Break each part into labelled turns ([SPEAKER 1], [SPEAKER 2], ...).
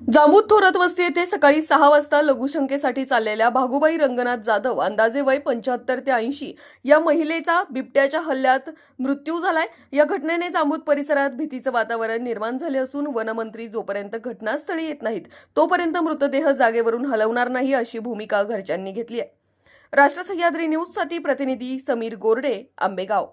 [SPEAKER 1] जांबूत थोरात वस्ती येथे सकाळी 6 वाजता लघुशंकेसाठी चाललेल्या भागुबाई रंगनाथ जाधव अंदाजे वय 75 ते 80 या महिलेचा बिबट्याच्या हल्ल्यात मृत्यू झालाय। या घटनेने जांबूत परिसरात भीतीचं वातावरण निर्माण झाले असून वनमंत्री जोपर्यंत घटनास्थळी येत नाहीत तोपर्यंत मृतदेह जागेवरून हलवणार नाही अशी भूमिका घरच्यांनी घेतली आहे। राष्ट्र सह्याद्री न्यूजसाठी प्रतिनिधी समीर गोरडे, आंबेगाव।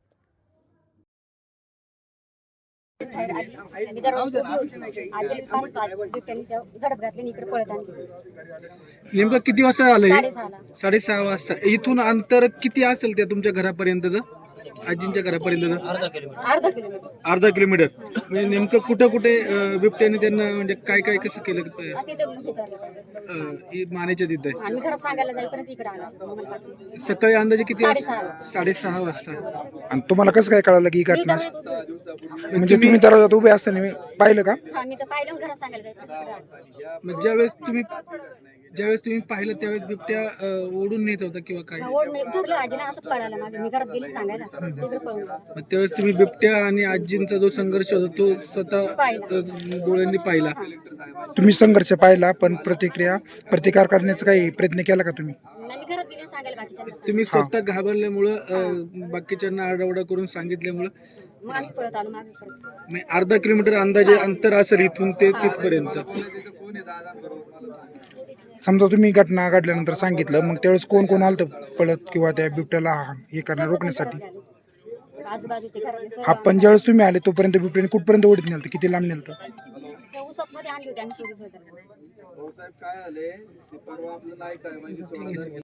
[SPEAKER 2] झडप घातली इकडे पळत आली।
[SPEAKER 3] नेमकं किती वाजता आलं हे?
[SPEAKER 2] 6:30
[SPEAKER 3] 6:30 वाजता। इथून अंतर किती असेल त्या तुमच्या घरापर्यंतचं, आजींच्या घरापर्यंतचं?
[SPEAKER 2] अर्धा किलोमीटर।
[SPEAKER 3] अर्धा किलोमीटर। म्हणजे नेमकं कुठं कुठे बिबट्याने त्यांना म्हणजे काय काय कसं केलं?
[SPEAKER 2] असे ते हे करलं।
[SPEAKER 3] मानेच्या तिथं
[SPEAKER 2] आम्ही घरात सांगायला जाईपर्यंत इकडे आला मला पाठवलं।
[SPEAKER 3] सकाळी अंदाजे किती वाजता?
[SPEAKER 2] 6:30
[SPEAKER 3] 6:30 वाजता।
[SPEAKER 4] आणि तुम्हाला कसं काय कळालं की ही
[SPEAKER 2] मी
[SPEAKER 4] घटना?
[SPEAKER 2] तर
[SPEAKER 4] म्हणजे तुम्ही दरवाजात उभे असताना पाहिलं का?
[SPEAKER 2] हा मी तर पाहिलं घरात सांगायला जायचं।
[SPEAKER 3] मग ज्यावेळेस तुम्ही पाहिलं त्यावेळेस बिबट्या ओढून नेत होता किंवा काय?
[SPEAKER 2] ओढ नाही धरलं आजीला, असं पळायला मागे मी घरात गेली सांगायला तिकडे पळून गेला।
[SPEAKER 3] मग त्यावेळेस तुम्ही बिबट्या आणि आजींचा जो संघर्ष होता तो स्वतः डोळ्यांनी पाहिला?
[SPEAKER 4] तुम्ही संघर्ष पाहिला, पण प्रतिकार करण्याचा काही प्रयत्न केला का तुम्ही?
[SPEAKER 2] मी घरात गेली सांगायला बाकीच्यांना।
[SPEAKER 3] तुम्ही स्वतः घाबरल्यामुळं बाकीच्यांना आरडाओरडा करून सांगितल्यामुळं
[SPEAKER 2] मग आम्ही पळत आलो मागे परत।
[SPEAKER 3] म्हणजे अर्धा किलोमीटर अंदाजे अंतर असेल इथून ते तिथपर्यंत।
[SPEAKER 4] समजा तुम्ही घटना घडल्यानंतर सांगितलं, मग त्यावेळेस कोण कोण आलं पळत किंवा त्या बिबट्याला हे करणं रोखण्यासाठी?
[SPEAKER 2] आजूबाजूचे घरातले
[SPEAKER 4] हा, पण ज्यावेळेस तुम्ही आले तोपर्यंत बिबट्याने कुठपर्यंत ओढत नेलं, किती लांब नेलं?
[SPEAKER 2] उसात मध्ये आणली होती आम्ही सोबत.